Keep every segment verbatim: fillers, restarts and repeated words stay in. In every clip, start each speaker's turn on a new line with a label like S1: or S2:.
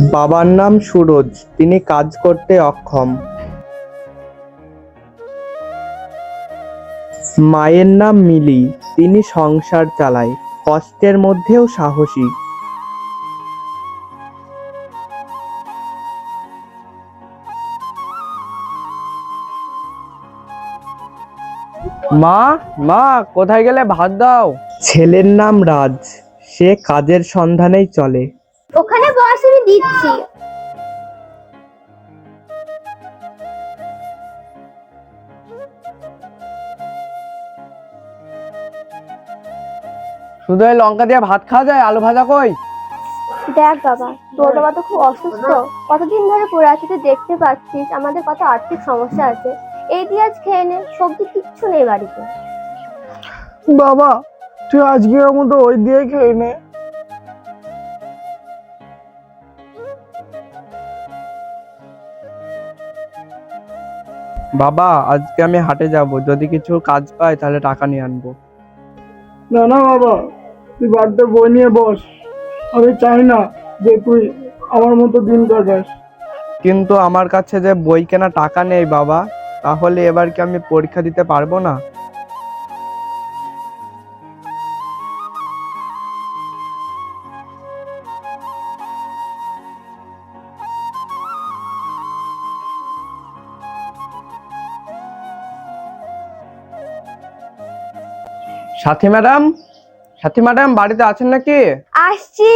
S1: বাবার নাম সুরজ, তিনি কাজ করতে অক্ষম। মায়ের নাম মিলি, তিনি সংসার চালায়, কষ্টের মধ্যেও সাহসী।
S2: মা মা কোথায় গেলে? ভাত দাও।
S1: ছেলের নাম রাজ, সে কাজের সন্ধানেই চলে।
S3: ওখানে বস, আমি দিচ্ছি।
S2: শুধু এই লঙ্কা দিয়ে ভাত খাওয়া যায়? আলু ভাজা কই?
S3: দেখ বাবা, তোর বাবা তো খুব অসুস্থ, কতদিন ধরে পড়ে আছে, তুই দেখতে পাচ্ছিস আমাদের কত আর্থিক সমস্যা আছে। এই দিয়ে আজ খেয়ে নে, সবজি কিচ্ছু নেই বাড়িতে।
S4: বাবা, তুই আজকের মতো ওই দিয়ে খেয়ে নে।
S2: বাবা, আজকে আমি হাটে যাব, যদি কিছু কাজ পাই তাহলে টাকা নিয়ে আনবো।
S4: না না বাবা, তুই বাড়িতে বই নিয়ে বস। আমি চাই না যে তুই আমার মতো দিন কাটাস।
S2: কিন্তু আমার কাছে যে বই কেনা টাকা নেই বাবা, তাহলে এবার কি আমি পরীক্ষা দিতে পারবো না? সাথী ম্যাডাম, সাথী ম্যাডাম বাড়িতে আছেন নাকি?
S3: আসছি।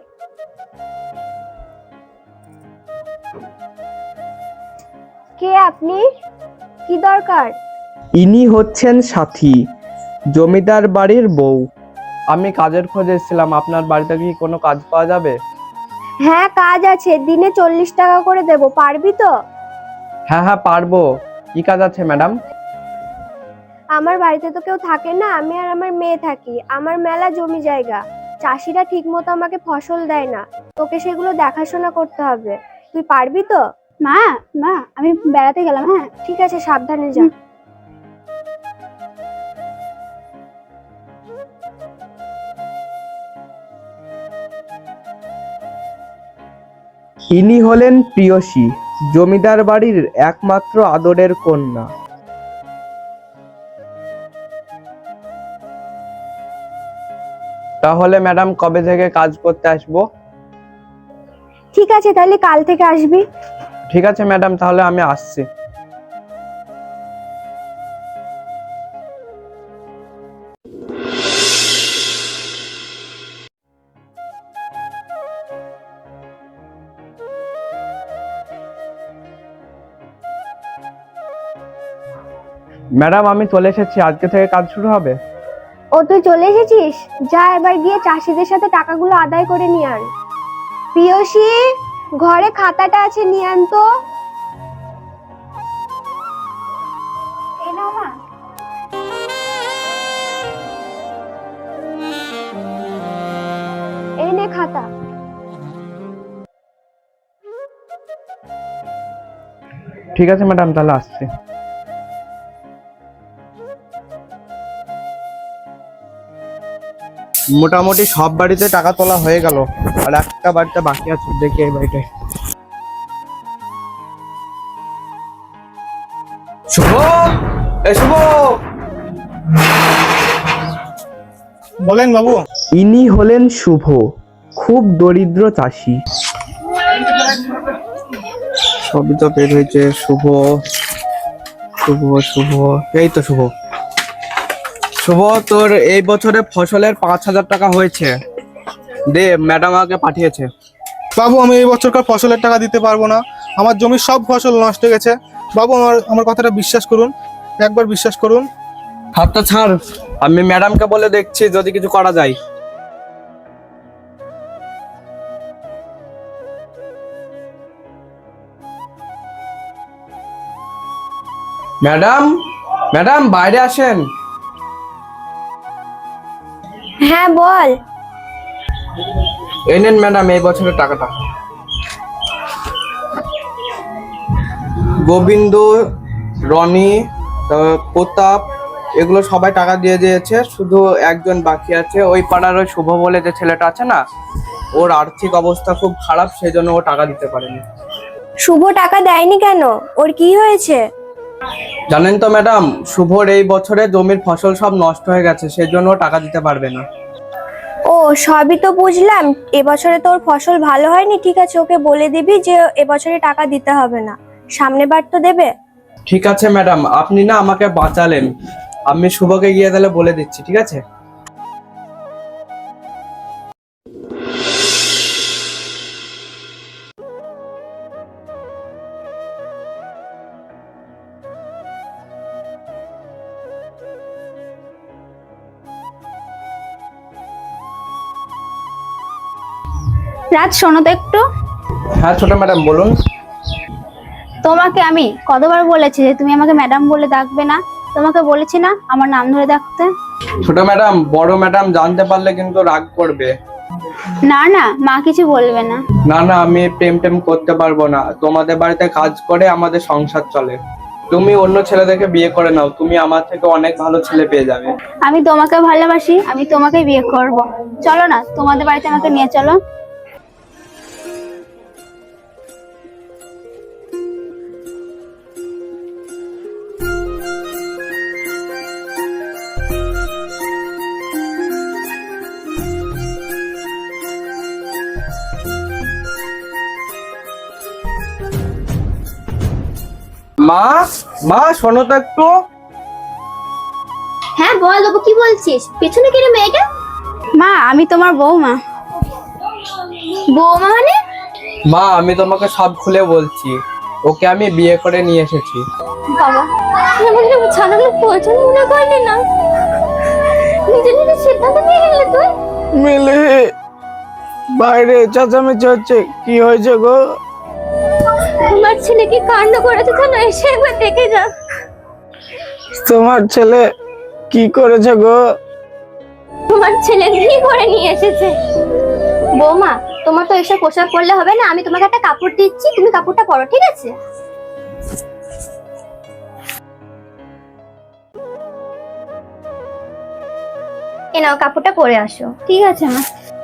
S3: কে আপনি? কি দরকার?
S1: ইনি হচ্ছেন সাথী, জমিদার বাড়ির বউ।
S2: আমি কাজের খোঁজে এসেছিলাম, আপনার বাড়িতে কি কোনো কাজ পাওয়া যাবে?
S3: হ্যাঁ, কাজ আছে, দিনে চল্লিশ টাকা করে দেব, পারবি তো?
S2: হ্যাঁ হ্যাঁ পারবো। কি কাজ আছে ম্যাডাম?
S3: আমার বাড়িতে তো কেউ থাকে না, আমি আর আমার মেয়ে থাকি। আমার মেলা জমি জায়গা, চাষিরা ঠিক মতো আমাকে ফসল দেয় না, তোকে সেগুলো দেখাশোনা করতে হবে। তুই পারবি তো?
S5: মা মা আমি বেড়াতে গেলাম। হ্যাঁ,
S3: ঠিক আছে, সাবধানে যা।
S1: ইনি হলেন প্রিয়সী, জমিদার বাড়ির একমাত্র আদরের কন্যা।
S2: তাহলে ম্যাডাম কবে থেকে কাজ করতে আসবো?
S3: ঠিক আছে, তাহলে কাল থেকে আসবি।
S2: ঠিক আছে ম্যাডাম, তাহলে আমি আসছি। ম্যাডাম আমি চলে এসেছি, আজকে থেকে কাজ শুরু হবে।
S3: ও, তুই চলে এসেছিস? যা, এবার গিয়ে চাষিদের সাথে টাকাগুলো আদায় করে নিয়ে আন। প্রিয়সী, ঘরে খাতাটা আছে, নিয়ে আন তো।
S5: এই নাও মা।
S3: এই নে খাতা।
S2: ঠিক আছে ম্যাডাম, তাহলে আসছি। মোটামুটি সব বাড়িতে টাকা তোলা হয়ে গেল, আর একটা বাড়িতে বাকি আছে, দেখি এই বাড়িটায়। শুভ, এই শুভ।
S4: বলেন বাবু।
S1: ইনি হলেন শুভ, খুব দরিদ্র চাষি।
S2: সবই তো বের হয়েছে। শুভ শুভ শুভ এই তো শুভ। শুভ, তোর এই বছরে ফসলের পাঁচ হাজার টাকা হয়েছে, দে, ম্যাডাম আমাকে পাঠিয়েছে।
S4: বাবু, আমি এই বছরকার ফসলের টাকা দিতে পারবো না। আমার জমির সব ফসল নষ্ট হয়ে গেছে। বাবু, আমার আমার কথাটা বিশ্বাস করুন, একবার বিশ্বাস করুন।
S2: হাতটা ছাড়, আমি ম্যাডামকে বলে দেখছি যদি কিছু করা যায়। ম্যাডাম, ম্যাডাম বাইরে আসেন।
S3: হ্যাঁ, বল।
S2: এই নেন ম্যাডাম এই বছরের টাকাটা। গোবিন্দ, রনি, তারপর প্রতাপ, এগুলো সবাই টাকা দিয়ে দিয়েছে, শুধু একজন বাকি আছে, ওই পাড়ার ওই শুভ বলে যে ছেলেটা আছে না, ওর আর্থিক অবস্থা খুব খারাপ, সেই জন্য ও টাকা দিতে পারেনি।
S3: শুভ টাকা দেয়নি কেন? ওর কি হয়েছে?
S2: জানেন তো ম্যাডাম, শুভর এই বছরে জমির ফসল সব নষ্ট হয়ে গেছে, সেই জন্য ও টাকা দিতে পারবে না।
S3: ও, সবই তো বুঝলাম। এবছরে তোর ফসল ভালো হয়নি, ঠিক আছে, ওকে বলে দিবি যে এবছরে টাকা দিতে হবে না, সামনের বার তো দেবে।
S2: ঠিক আছে ম্যাডাম, আপনি না আমাকে বাঁচালেন। আমি শুভকে গিয়ে তাহলে বলে দিচ্ছি, ঠিক আছে?
S5: রাজ, শোনো তো একটু।
S2: হ্যাঁ ছোট ম্যাডাম, বলুন।
S5: তোমাকে আমি কতবার বলেছি যে তুমি আমাকে ম্যাডাম বলে ডাকবে না? তোমাকে বলেছি না আমার নাম ধরে ডাকতে?
S2: ছোট ম্যাডাম, বড় ম্যাডাম জানতে পারলে কিন্তু রাগ করবে।
S5: না না, মা কিছু বলবে না।
S2: না না, আমি প্রেম টেম করতে পারবো না। তোমাদের বাড়িতে কাজ করে আমাদের সংসার চলে। তুমি অন্য ছেলে দেখে বিয়ে করে নাও, তুমি আমার থেকে অনেক ভালো ছেলে পেয়ে যাবে।
S5: আমি তোমাকে ভালোবাসি, আমি তোমাকে বিয়ে করব। চলো না, তোমাদের বাড়িতে আমাকে নিয়ে চলো।
S2: মা, মা শোনো তো একটু।
S6: হ্যাঁ বল বাবু, কি বলছিস? পেছনে কে রে মেয়েটা?
S5: মা, আমি তোমার বৌমা।
S6: বৌমা মানে?
S2: মা, আমি তোমাকে সব খুলে বলছি। ওকে আমি বিয়ে করে নিয়ে এসেছি।
S6: বাবা, আমাকে ছানাগুলো পছন্দ মনে করলি না? নিজে নিজে সিদ্ধান্ত নিয়ে গেলি তুই?
S7: মিলে বাইরে চেঁচামেচি হচ্ছে, কি হয়েছে গো?
S6: আমার ছেলে কি কাণ্ড করেছে জানো? এসে একবার দেখে যা।
S7: তোমার ছেলে কি করেছে গো?
S6: তোমার ছেলে কি করে নিয়ে এসেছে? বৌমা, তোমার তো এসে পোশাক পরলে হবে না, আমি তোমাকে একটা কাপড় দিচ্ছি, তুমি কাপড়টা পরো, ঠিক আছে? এ নাও, কাপড়টা পরে আসো।
S5: ঠিক আছে মা।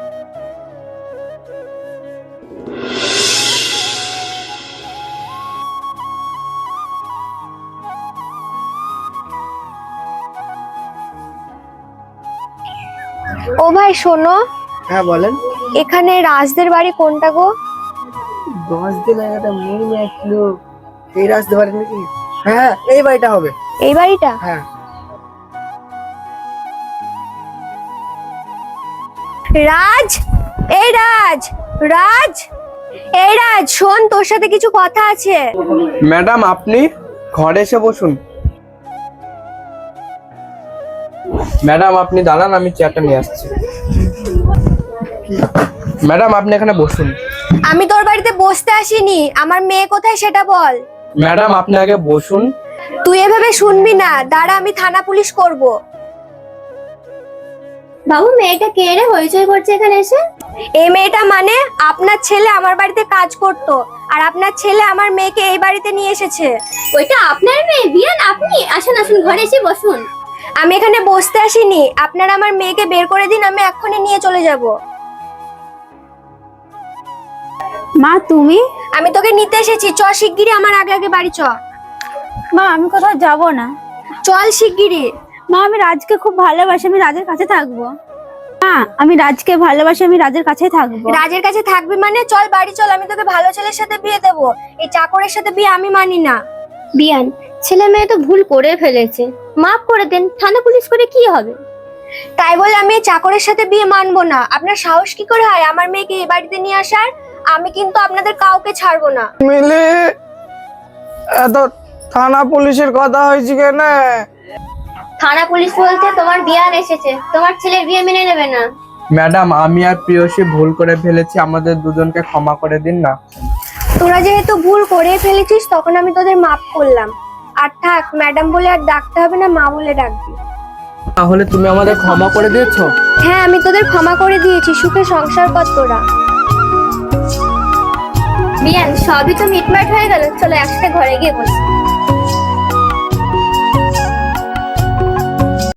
S3: ও ভাই শোনো,
S1: হ্যাঁ বলেন।
S3: এখানে রাজদের বাড়ি কোনটা গো?
S1: দশ দিন আগে একটা মেয়ে নিয়ে আসলো, এই রাস্তে পারে নাকি? হ্যাঁ, এই বাড়িটা হবে।
S3: এই বাড়িটা?
S1: হ্যাঁ।
S3: রাজ, এই রাজ, রাজ, এই রাজ, শোন, তোর সাথে কিছু কথা আছে।
S2: ম্যাডাম, আপনি ঘরে এসে বসুন। ম্যাডাম আপনি দাঁড়ান, আমি চেয়ারটা নিয়ে আসছি। ম্যাডাম আপনি এখানে বসুন।
S3: আমি তোর বাড়িতে বসতে আসিনি, আমার মেয়ে কোথায় সেটা বল।
S2: ম্যাডাম আপনি আগে বসুন।
S3: তুই এভাবে শুনবি না, দাঁড়া, আমি থানা পুলিশ করব।
S6: বাবু, মেয়েটা কে রে হইচই করছে এখানে এসে?
S3: এই মেয়েটা মানে আপনার ছেলে আমার বাড়িতে কাজ করতো, আর আপনার ছেলে আমার মেয়েকে এই বাড়িতে নিয়ে এসেছে।
S6: ওইটা আপনার মেয়ে বিয়ান? আপনি আসুন আসুন, ঘরে এসে বসুন।
S3: আমি এখানে বসতে আসিনি, আপনারা আমার মেয়েকে বের করে দিন, আমি এক্ষুনি নিয়ে চলে যাব।
S5: মা, তুমি?
S3: আমি তোকে নিতে এসেছি, চ শিগগিরই আমার আগে আগে বাড়ি চ।
S5: মা, আমি কোথাও যাব না।
S3: চল শিগগিরই।
S5: মা, আমি রাজকে খুব ভালোবাসি, আমি রাজের কাছে থাকবো। মা, আমি রাজকে ভালোবাসি, আমি রাজের কাছেই থাকবো।
S3: রাজের কাছে থাকবি মানে? চল বাড়ি চল, আমি তোকে ভালো ছেলের সাথে বিয়ে দেবো, এই চাকরের সাথে বিয়ে আমি মানি না।
S6: বিয়ান, ছেলে মেয়ে তো ভুল করে ফেলেছে, মাফ করে দেন, থানা পুলিশ করে কি হবে?
S3: তাই বলে আমি এই চাকরের সাথে বিয়ে মানবো না। আপনার সাহস কি করে হয় আমার মেয়েকে এই বাড়িতে নিয়ে আসার? আমি কিন্তু আপনাদের কাউকে ছাড়বো না।
S7: মিলে এত থানা পুলিশের কথা হয়েছে কেন?
S6: থানা পুলিশ বলতে তোমার বিয়ান এসেছে, তোমার ছেলের বিয়ে মেনে নেবে না।
S2: ম্যাডাম আমি আর প্রিয়সী ভুল করে ফেলেছি, আমাদের দুজনকে ক্ষমা করে দিন না।
S3: তোরা যেহেতু ভুল করে ফেলেছিস, তখন আমি তোদের মাফ করলাম। আর থাক, ম্যাডাম বলে আর ডাকতে হবে না, মা বলে ডাকবি।
S2: তাহলে তুমি আমাদের ক্ষমা করে দিয়েছো?
S3: হ্যাঁ, আমি তোদের ক্ষমা করে দিয়েছি, সুখে সংসার কর তোরা।
S6: বিয়ান, সবই তো মিটমাট হয়ে গেল, চলো একসাথে ঘরে গিয়ে বসি।